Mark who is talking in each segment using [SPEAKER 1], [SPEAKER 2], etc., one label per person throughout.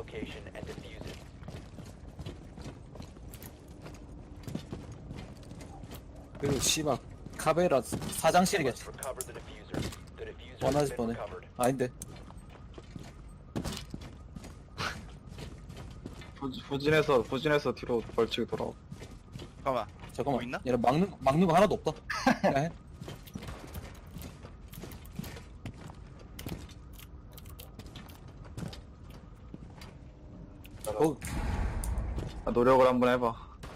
[SPEAKER 1] location and defuse it.
[SPEAKER 2] 그리고 씨발 카베라 사장실이겠지.
[SPEAKER 1] Must recover the diffuser. The diffuser has
[SPEAKER 2] 원하지
[SPEAKER 1] been
[SPEAKER 2] 뻔해.
[SPEAKER 1] recovered.
[SPEAKER 2] 아닌데.
[SPEAKER 3] 후진해서 뒤로 벌칙이 돌아오.
[SPEAKER 4] 잠깐만.
[SPEAKER 2] 잠깐만.
[SPEAKER 4] 뭐 있나?
[SPEAKER 2] 얘는 막는 거 하나도 없다. 그냥 해.
[SPEAKER 3] 노력을 한번 해봐.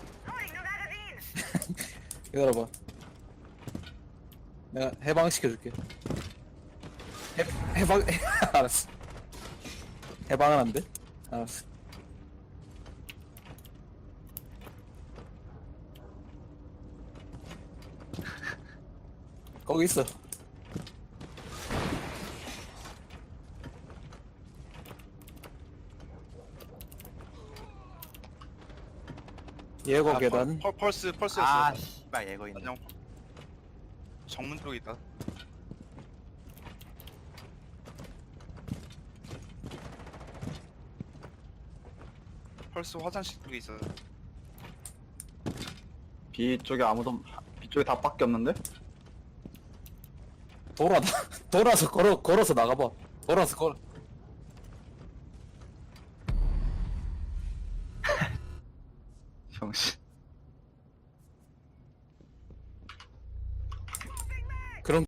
[SPEAKER 2] 기다려봐. 내가 해방시켜줄게. 해방, 알았어. 해방은 안 돼? 알았어. 거기 있어. 예고 계단.
[SPEAKER 4] 펄스였어.
[SPEAKER 5] 아, 씨발 얘거 있네.
[SPEAKER 4] 안녕. 정문 쪽에 있다. 펄스 화장실 쪽에 있어.
[SPEAKER 3] B 쪽에 B 쪽에 다 밖에 없는데?
[SPEAKER 2] 돌아서 걸어서 나가봐. 걸어서 걸어.
[SPEAKER 3] 정신.